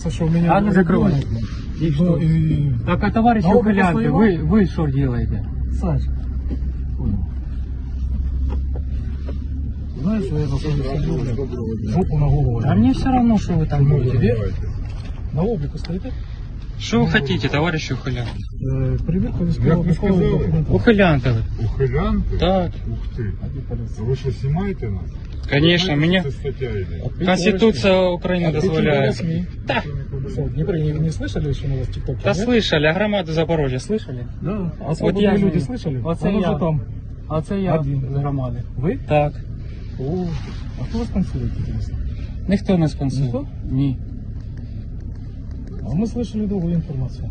кажется, что меня... А ну закрывай. И что? Ну, и... Так, а товарищи А вы ухилянты, постояли? вы что делаете? Саш, понял. Знаешь, что я заходил жопу на голову. А мне все равно, что вы там будете. Тебе? На облику стоите? Что вы хотите, товарищи ухилянты? Проверка Як ви сказали? документов. Ухилянты вы. Ухилянти? Так, Ух ти. А ви що, знімаєте нас? конечно, Знаєте, меня що це стаття йде? Конституция Украины дозволяет. Да. Что, в Днепре не слышали, что у нас в ТикТоке? Да слышали, а громаду Запорожья слышали? Да. А Вот свободные я люди же- слышали? Вот Он я. уже там. А це я Один. з громади. Вы? Так. О, а кто вас спонсирует, интересно? Ніхто не спонсорує. Ніхто? Ні. А мы слышали другую информацию.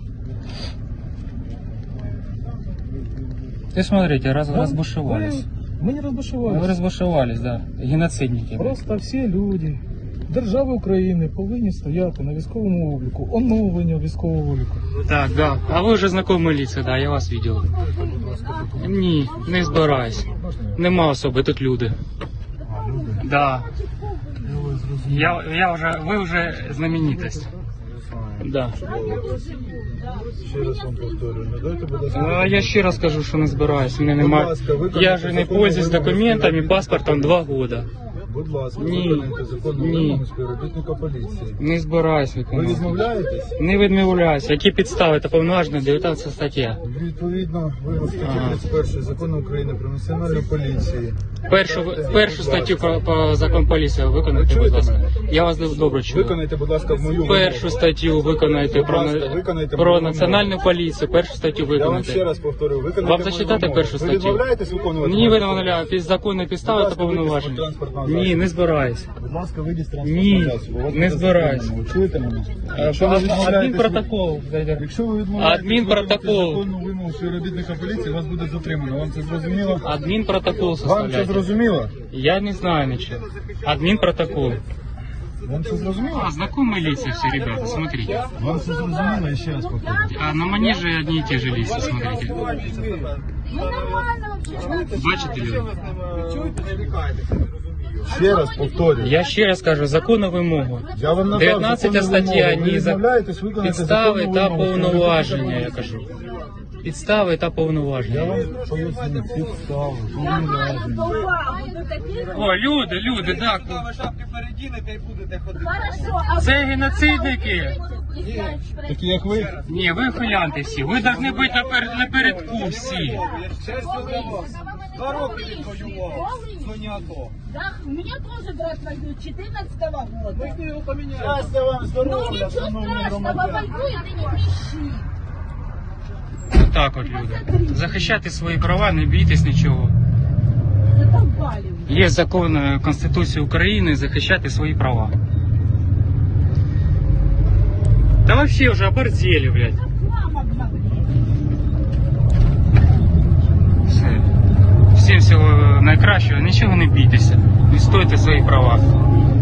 Ты смотрите, Да? разбушевались. Мы не разбушевались. Вы разбушевались, да. Геноцидники. Просто всі люди держави України повинні стояти на військовому обліку, оновлення військового обліку. Так, да. А ви вже знайомі лица, да, я вас бачив. Ні, не збираюсь. Нема особи, тут люди. Да. Ви вже знаменитость. Да. Ще раз вам повторюю, не дайте, будь ласка. А я ще раз кажу, що не збираюсь. Мене нема. Я же не пользуюсь документами, паспортом 2 года. Будь ласка, Ні. виконайте законну Ні. вимогу співробітника поліції. Не збираюсь Ви виконувати. відмовляєтесь? Не відмовляюсь. Які підстави? Це повноважена 19 стаття. Відповідно, вимог статті 31 Закону України про національну поліцію. Першу статтю по закону поліції виконайте, будь ласка. Я вас добре чую. Виконайте, будь ласка, мою Першу статтю виконайте Будь ласка, виконайте про мою національну поліцію. Першу статтю Я вам ще виконайте. раз повторю, виконайте Вам мою зачитати вимогу. першу Ви статтю? відмовляєтесь виконувати? Ні, ви мою не вимогу? під законні підстави Будь та ласка, вийдіть з повноваження. транспортного Ні, засобу. не збираюсь. Будь ласка, вийдіть з Ні, транспортного засобу. Вас не буде збираюсь. затримано. Ви чуєте мене? Якщо ви відмовляєтесь- Адмінпротокол. Якщо ви відмовляєтесь Адмінпротокол. виконувати законну вимогу співробітника поліції, вас буде затримано. Вам це зрозуміло? Адмінпротокол Вам це составляйте. зрозуміло? Я не знаю ничего. Админпротокол. Вам це зрозуміло? А, знакомые лица все, ребята, смотрите. Вам це зрозуміло? Я ще раз повторю. А на манеже одни и те же лица, смотрите. Бачите люди? Ще раз повторюю. Я ще раз кажу, законну вимогу. Я вам надав 19 законну стаття, вимогу. Ви ні, відмовляєтесь виконати підстави законну та вимогу повноваження, я співробітника кажу. Підстави та Я повноваження. вам поясню підстави, повноваження. О, люди, так. Шапки передінете і будете ходити. Це геноцидники. Такі як ви? Ні, ви хулянти всі. Ви повинні бути напередку всі. 2 роки відвоював. В зоні АТО. Да, у меня тоже брат воюет 14-го года. Ми його поміняли. Щастя вам, Ну здоров'я, ничего шановні страшного, громадяни. воюет и не кричи. Так от люди. Захищати свої права, не бійтесь нічого. Задолбали уже. Є закон Конституції України захищати свої права. Та вообще вже оборзели, блядь. Как мама говорит. Все. Всім всього найкращого, нічого не бійтеся. Відстойте свої права.